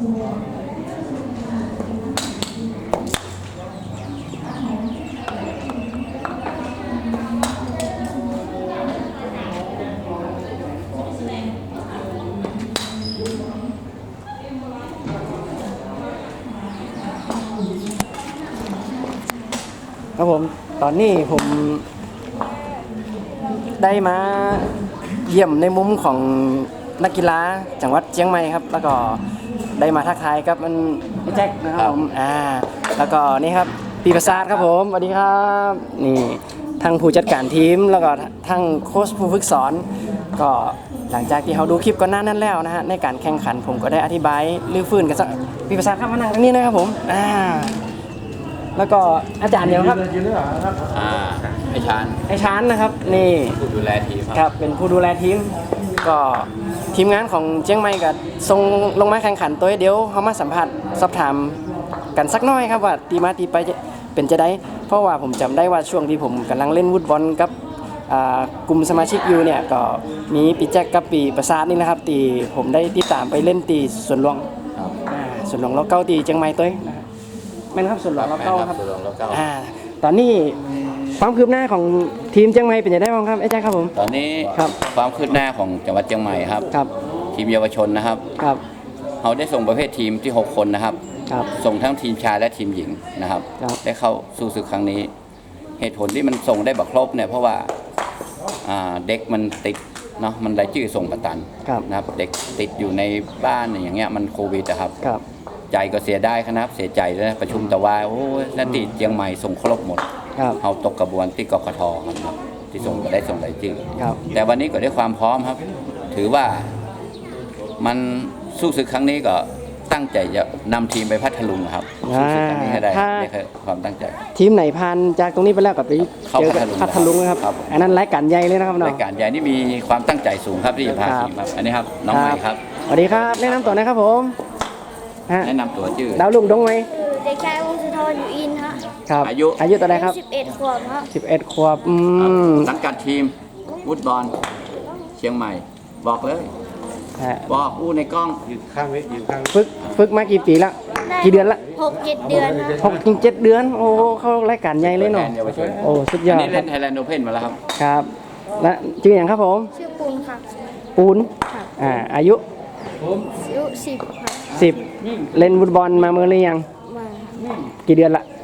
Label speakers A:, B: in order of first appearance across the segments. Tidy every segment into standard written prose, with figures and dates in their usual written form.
A: ครับผมตอนนี้ผมได้มาเยี่ยมในมุมของนักกีฬาจังหวัดเชียงใหม่ครับแล้วก็ได้มาทักทายกับมันพี่แจ็คนะครับผมแล้วก็นี่ครับปีประสาทครับผมสวัสดีครับนี่ทั้งผู้จัดการทีมแล้วก็ทั้งโค้ชผู้ฝึกสอนก็หลังจากที่เขาดูคลิปก่อนหน้านั้นแล้วนะฮะในการแข่งขันผมก็ได้อธิบายลื้อฟื้นกันสักปีประสาทครับมานั่งตรงนี้นะครับผมแล้วก็อาจารย์เดียวครับ
B: ไอชาน
A: นะครับนี่
B: ผู้ดูแลทีม
A: ครับเป็นผู้ดูแลทีมก็ทีมงานของเชียงใหม่ก็ส่งลงมาแข่งขันตัวเดียวเขามาสัมผัสสอบถามกันสักน้อยครับว่าตีมาตีไปเป็นจะได้เพราะว่าผมจำได้ว่าช่วงที่ผมกำลังเล่นฟุตบอลกับกลุ่มสมาชิกอยู่เนี่ยก็มีปีแจ็คกับปีประสาทนี่นะครับตีผมได้ติดตามไปเล่นตีส่วนหลวงส่วนหลวงเราเก้าตีเชียงใหม่ตัวแม่นครับส่วนหลวงเราเก้าครับตอนนี้ความคืบหน้าของทีมเชียงใหม่เป็นยังไงบ้างครับไอ้แจ็คครับผม
B: ตอนนี้ความคืบหน้าของจังหวัดเชียงใหม่ครับทีมเยาวชนนะครับเขาได้ส่งประเภททีมที่6 คนนะครับส่งทั้งทีมชายและทีมหญิงนะครับได้เข้าสู่ศึกครั้งนี้เหตุผลที่มันส่งได้บักครบเนี่ยเพราะว่าเด็กมันติดเนาะมันรายชื่อส่งประตันนะครับเด็กติดอยู่ในบ้านอย่างเงี้ยมันโควิดนะครับใจก็เสียได้ครับเสียใจเลยประชุมตะวายโอ้ยนักตีเชียงใหม่ส่งครบหมดเอาตกกระบวนที่กกทครับที่ส่งก็ได้ส่งรายชื่อแต่วันนี้ก็ได้ความพร้อมครับถือว่ามันสู้ศึกครั้งนี้ก็ตั้งใจจะนำทีมไปพัทลุงครับสู้ศึกครั้งนี้ให้ได้ความตั้งใจ
A: ทีมไหนผ่านจากตรงนี้ไปแล้วกับไปเจอพัทลุงนะครับอันนั้นรายการใหญ่เลยนะครับน้อง
B: รายการใหญ่นี่มีความตั้งใจสูงครับที่จะพาทีมครับอันนี้ครับน้องใหม่ครับ
A: สวัสดีครับแนะนำตัวนะครับผม
B: แนะนำตัวชื่อ
A: ดาวลุงดงไหม
C: เด็กชายวงศ์สุธรอยู่อินฮะ
A: ครับอายุเท่าไหร่ครับ
C: 11 ขวบครับ
A: 11 ขวบ
B: สังกัดทีมฟุตบอลเชียงใหม่บอกเลยบอกอู้ในกล้องอยู่ข้าง
A: ฝึกมากี่ปีละกี่เดือนละ
C: 6-7 เดือน
A: 6-7 เดือนโอ้เข้ารายการใหญ่เลยเนาะโอ้สุดยอด
B: นี่เล่นไทยแลนด์โอเพ่นมาแล้วครับ
A: ครับและชื่ออย่างครับผม
C: ชื่อปูนครับ
A: ปูนอายุ
C: 10ครับ
A: 10เล่นฟุตบอลมาเมื่อไรยังกี่เดือนละ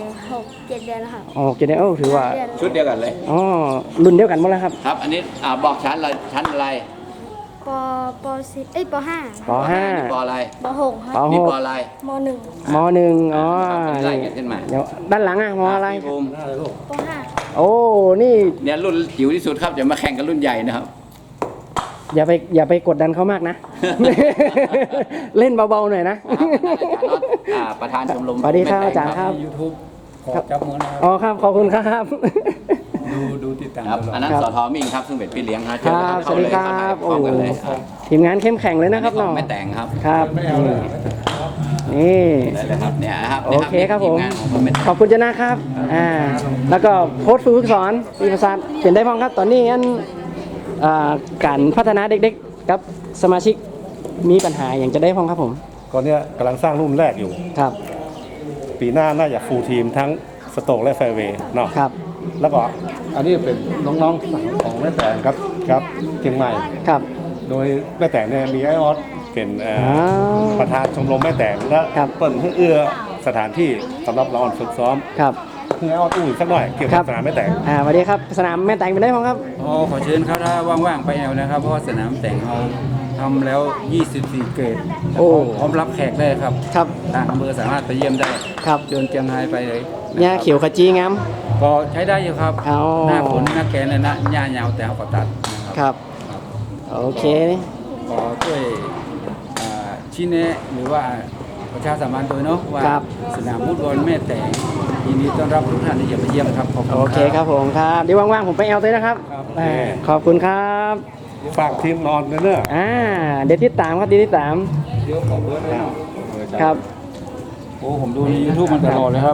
C: 6-7 เดือนแล้วครับ
A: 6-7 เดือนถือว่า
B: ชุดเดียวกันเลย
A: รุ่นเดียวกันหมดแล้วครับ
B: ครับอันนี้บอกชั้นอะไร
C: ป .4 ป .5
A: ป
B: ปอะไร
C: ป .6 ครับ
B: นี่ปอะไร
C: ม .1
A: ม .1 อ๋อ
B: ไล่กันขึ้นมา
A: เดี๋ยวด้านหลังมอะไร
C: ป .5
A: โอ้นี่
B: เนี่ยรุ่นจิ๋วที่สุดครับจะมาแข่งกันรุ่นใหญ่นะครับ
A: อย่าไปกดดันเขามากนะเล่นเบาๆหน่อยนะ
B: ประธานชมรม
A: สวัสดีครับอาจารย์ครับ
D: YouTube ขอจับมือนะครับ
A: อ๋อครับขอบคุณครับ
D: ดูติดตาม
B: อันนั้นสทมิ่งครับซึ่งเป็นพี่เลี้ยงครับ
A: สวัสดีครับโอ้ทีมงานเข้มแข็งเลยนะครับน้อง
B: ไม่แต่งครับ
A: ครับนี่
B: ครับเนี่ยครับ
A: โอเคครับผมขอบคุณเจ้านะครับแล้วก็โค้ชฝึกสอนปีประสาทเป็นได้พ้องครับตอนนี้งั้นการพัฒนาเด็กๆกับสมาชิกมีปัญหาอย่างจะได้พ้องครับผม
D: ตอนนี้กำลังสร้างรุ่นแรกอยู่
A: ครับ
D: ปีหน้าน่าจะฟูลทีมทั้งสโตกและแฟร์เวย์เนาะ
A: ครับ
D: แล้วก็อันนี้เป็นน้องๆของแม่แต่งครับเชียงใหม่
A: ครับ
D: โดยแม่แต่งเนี่ยมีไอออสเป็นประธานชมรมแม่แต่งและเปิดเอื้อสถานที่สำหรับเราฝึกซ้อม
A: ครับ
D: เพื่อเอาตู้สักหน่อยเกี่ยวกับสนามแม่แต่ง
A: สวัสดีครับสนามแม่แต่งเป็นได้พ้องครับ
E: ขอเชิญครับถ้าว่างๆไปเอานะครับเพราะว่าสนามแต่งเราทำแล้ว24 เกรดพร้อมรับแขกได้ครับทางอำเภอสามารถไปเยี่ยมได้
A: ครับ
E: เดินเจียงไฮ้ไปเลย
A: หญ้าเขียวขจีงาม
E: ก็ใช้ได้อยู่ครับหน้าฝนหน้าแกนเลยนะหญ้ายาวแต่เอาก็ตัด
A: ครับโอเค
E: ขอช่วยชี้แนะหรือว่าประชาสัมพันธ์โดยเนาะว่าสนามฟุตบอลแม่แต่งยินดีต้อนรับทุกท่านที่จะไปเยี่ยมครับ
A: โอเคครับผมครับเดี๋ยวว่างๆผมไปเอาด้วยนะครับขอบคุณครับ
D: ฝากทีมนอนเนอะ
A: เดี๋ยวติดตามครับติดตาม
E: เดี๋ยวขอเบอร์ด้วย
A: ครับ
E: โอ้ผมดูใน YouTube มันตลอดเลยครับ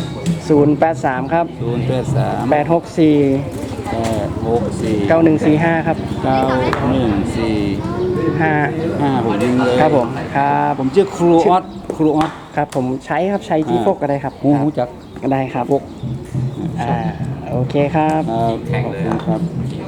A: 083ครับ
E: 083
A: 864 9145ครับ
E: 9145 ผมยิงเลย
A: ครับผมครับ
E: ผมชื่อครูออส
A: ครับผมใช้ครับใช้ที่พกก็ได้ครับ
E: หูจัก
A: ก็ได้ครับโอเคครับ
B: แข่งเลย
E: ครับ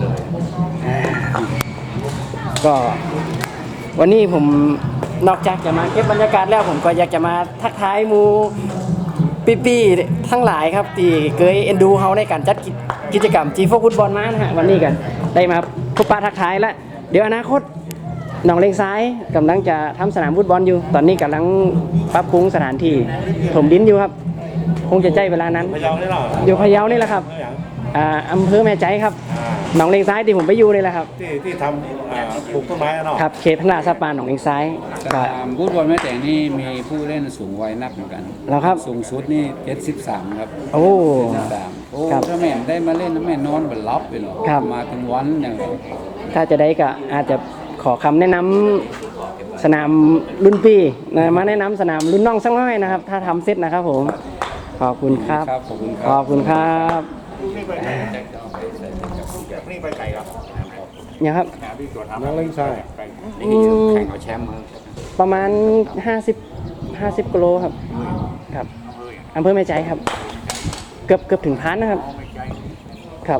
A: ก็วันนี้ผมนอกจากจะมาเก็บบรรยากาศแล้วผมก็อยากจะมาทักทายหมูปี้ๆทั้งหลายครับที่เคยเอ็นดูเขาในการจัดกิจกรรมจีโฟฟุตบอลมานะฮะวันนี้กันได้มาพบปะทักทายแล้วเดี๋ยวอนาคตหนองเลงซ้ายกำลังจะทำสนามฟุตบอลอยู่ ตอนนี้กำลังปรับปรุงสถานที่ถมดินอยู่ครับ คงจะใช้เวลานั้น
D: พะเยาได้หรอ
A: อยู่พะเยานี่แหละครับอำเภอแม่ใจครับหนองเลงซ้ายที่ผมไปอยู่นี่แหละครับ
D: ที่ทำปลูกต้นไม้เนาะ
A: ครับเขตพัฒนาสปานหนองเลงซ้ายก็
E: ฟุตบอลแม่แต่งนี่มีผู้เล่นสูงวัยนักเหมือนกัน
A: แล้วครับ
E: สูงสุดนี่73ครับ
A: โอ้
E: 73โอ้
A: ครับ
E: ถ้าแม่ได้มาเล่นนะแม่นอนบนลับไปหรอ
A: ครับ
E: มาถึงวันเนี่ย
A: ถ้าจะได้ก็อาจจะขอคำแนะนำสนามรุ่นพี่นะมาแนะนำสนามรุ่นน้องสักหน่อยนะครับ ถ้าทำเสร็จนะครับผมขอบคุณครับ
E: ขอบคุณค
A: ข
E: รั
A: อ
E: บบ
A: คุณครับ
D: นี่ไปไก่ครับ
A: เนี่ยครับ
D: น้องเล่นใช่
B: นี่แข่งเอาแชมป์มา
A: ประมาณ50กิโลครับครับอำเภอแม่ใจครับ เกือบถึงพันนะครับครับ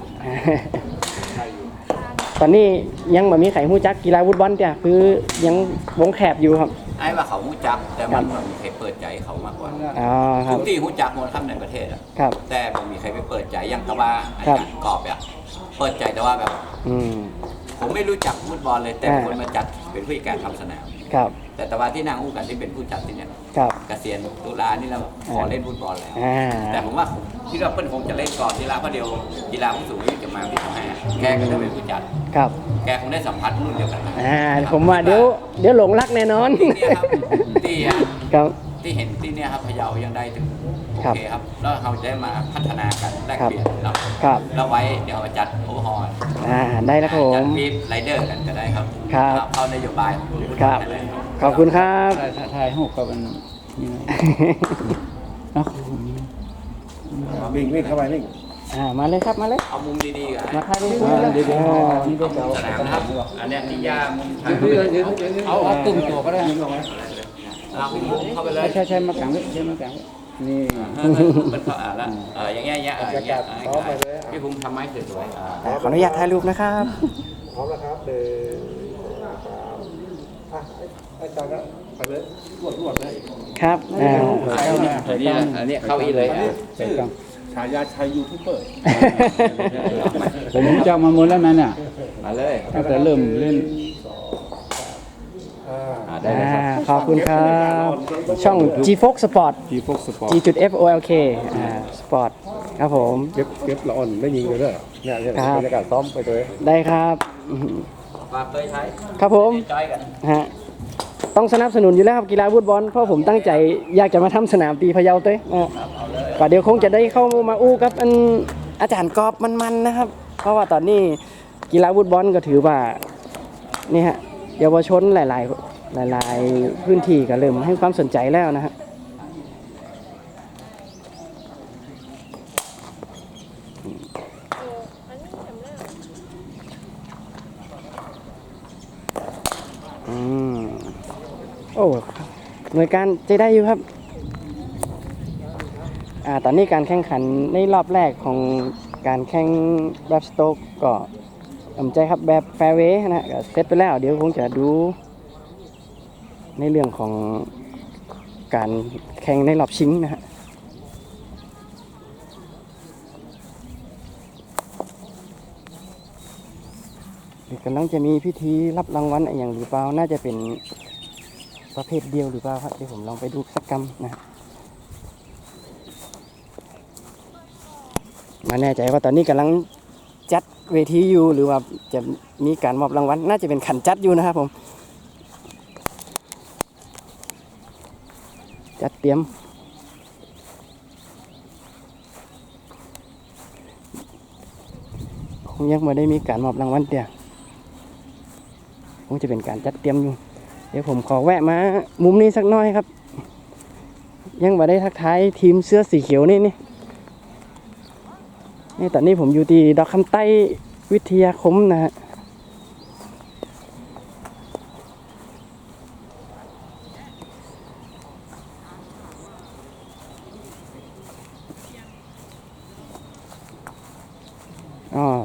A: ตอนนี้ยังไม่มีใครหู้จักกีฬาฟุตบอลเนี่ยคือยังวงแคบอยู่ครับ
B: ไอ้ว่าเขาหูจักแต่มันไม่มีใครเปิดใจเขามากกว่า
A: อ๋อครั
B: ทุ
A: บ
B: กที่หูจักหมดครับในประเทศอะ
A: ครับ
B: แต่ผมมีใครไปเปิดใจยังกะว่าอา
A: ครับ
B: จารย์กอบอะเปิดใจแต่ว่าแบบ
A: อืม
B: ผมไม่รู้จักฟุตบอลเลยแต่คนมาจัดเป็นผู้จัดการทำสนาม
A: ครับ
B: แต่ว่าที่นางอู้กันที่เป็นผู้จัดที่เนี่ย
A: ครับ
B: เกษียณตุลานี่เราขอเล่นฟุตบอลแล้ว
A: อ่า
B: แต่ผมว่าที่เราเพิ่นคงจะเล่นก่อนกีฬาเพราะเดียวกีฬาผู้สูงอายุจะมาที่ทำให้แกก็จะเป็นผู้จัด
A: ครับ
B: แกคงได้สัมผัสรุ่นเดียวกันนะ
A: ผมว่าเดี๋ยวหลงรักแน่นอน
B: เนี่ยครับที่อะ
A: ครับ
B: ที่เห็นที่เนี่ยครับพะเยายังได้ถึงโอ
A: ครับ
B: เคครับแล้วเราจะได้มาพัฒนากันแลกเปลี่ยนเนาะ
A: ครับ
B: แล้วไว้เดี๋ยวเราจัดโอเวอร์ฮอล
A: ได้แล้วครับผ
B: จัด
A: ม
B: ฟีดไรเดอร์กันก็ได้ครับ
A: ครับ
B: เข้านโยบายของผู้
A: ครับ
B: ไทยแลนด์
A: ขอบคุณครับ
E: ถ่ายรูปกับมันนี่เนาะ
D: วิ่งเข้าไปวิ่ง
A: มาเลยครับมาเลย
B: เอามุมดีๆกัน
A: มาถ่ายรูปกันเลย
E: นี่ก็จะ
B: สนามนะครับอันเนี้ยนิยามุมทาง
E: เอาตึงตัวก็ได้
B: เราเข้าไปเลย
E: ใช่มากลางใช่มากลางนี่
B: มันก็แล้วอย่างเงี้ยอย่างเงี้ยพี่ภูมิทำไม้สวย
A: ขออนุญาตถ่ายรูปนะครับ
D: พร้อมแล้วครับอาจารย์ก็ไปเลยรวดเลย
A: ครับ
B: อันนี้เข้าอีเลย
E: ใส่กลาง
D: ฉายาชัยยูทูบเบอร์
E: ผมรู้จักมาหมดแล้วนั่นน่ะ
B: มาเลย
E: ตั้งแต่เริ่มเล่น
B: ได้เลยครับ
A: ขอบคุณครับ ช่อง G Fox Sport
E: ทีพวกสปอร์
A: G
E: ต
A: F O L K Sport ครับผม
D: เก็บละอ่อนไม่ยิงเลยเด้อเนี่ยบรรยากาศซ้อมไปเลย
A: ได้ครับ
B: ฝากเคยใช้
A: ครับผม
B: จอยกัน
A: ฮะต้องสนับสนุนอยู่แล้วครับกีฬาฟุตบอลเพราะผมตั้งใจอยากจะมาทำสนามตีพะเยาเต้ก็เดี๋ยวคงจะได้เข้ามาอู้กับอาจารย์กอบมันๆนะครับ เพราะว่าตอนนี้กีฬาฟุตบอลก็ถือว่านี่ฮะเยาวชนหลายพื้นที่ก็เริ่มให้ความสนใจแล้วนะฮะโอ้หน่วยการใจได้อยู่ครับตอนนี้การแข่งขันในรอบแรกของการแข่งแบบสโต๊กก็ใจครับแบบแฟร์เวย์นะก็เซตไปแล้วเดี๋ยวคงจะดูในเรื่องของการแข่งในรอบชิงนะฮะเดี๋ยวกำลังจะมีพิธีรับรางวัลอะไรอย่างหรือเปล่าน่าจะเป็นประเภทเดียวหรือเปล่าครับเดี๋ยวผมลองไปดูสักกรรมนะมาแน่ใจว่าตอนนี้กำลังจัดเวทีอยู่หรือว่าจะมีการมอบรางวัลน่าจะเป็นขันจัดอยู่นะครับผมจัดเตรียมคงยังไม่ได้มีการมอบรางวัลเดียวคงจะเป็นการจัดเตรียมอยู่เดี๋ยวผมขอแวะมามุมนี้สักหน่อยครับยังไม่ได้ทักทายทีมเสื้อสีเขียวนี่ตอนนี้ผมอยู่ที่ดอกคำใต้วิทยาคมนะฮะ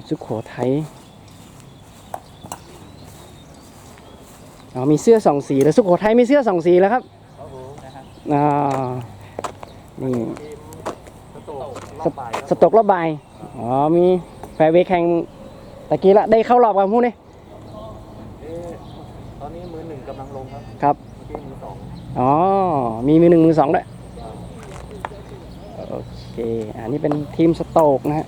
A: สุโขทัยมีเสื้อสองสีแล้วสุโขทัยมีเสื้อสองสีแล้วครับนี่สตกรอบบ่ายมีแฟร์เวย์แข่งตะกี้ละได้เข้ารอบกับพูดนี่
D: ตอนนี้มือหนึ่งกำลังลงครับ
A: ครับ
D: เมื่อกี้มือสอง
A: มีมือหนึ่งมือสองด้วยโอเคอันนี้เป็นทีมสโตกนะฮะ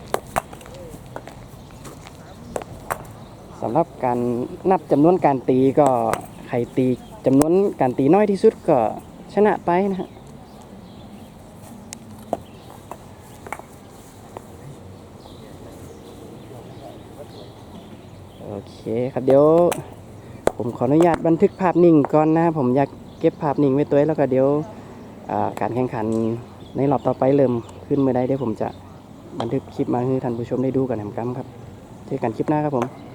A: สำหรับการนับจำนวนการตีก็ใครตีจำนวนการตีน้อยที่สุดก็ชนะไปนะฮะโอเคครับเดี๋ยวผมขออนุญาตบันทึกภาพนิ่งก่อนนะผมอยากเก็บภาพนิ่งไว้ตัวแล้วก็เดี๋ยวการแข่งขันในรอบต่อไปเริ่มขึ้นเมื่อใดเดี๋ยวผมจะบันทึกคลิปมาให้ท่านผู้ชมได้ดูกันนะครับเจอกันคลิปหน้าครับผม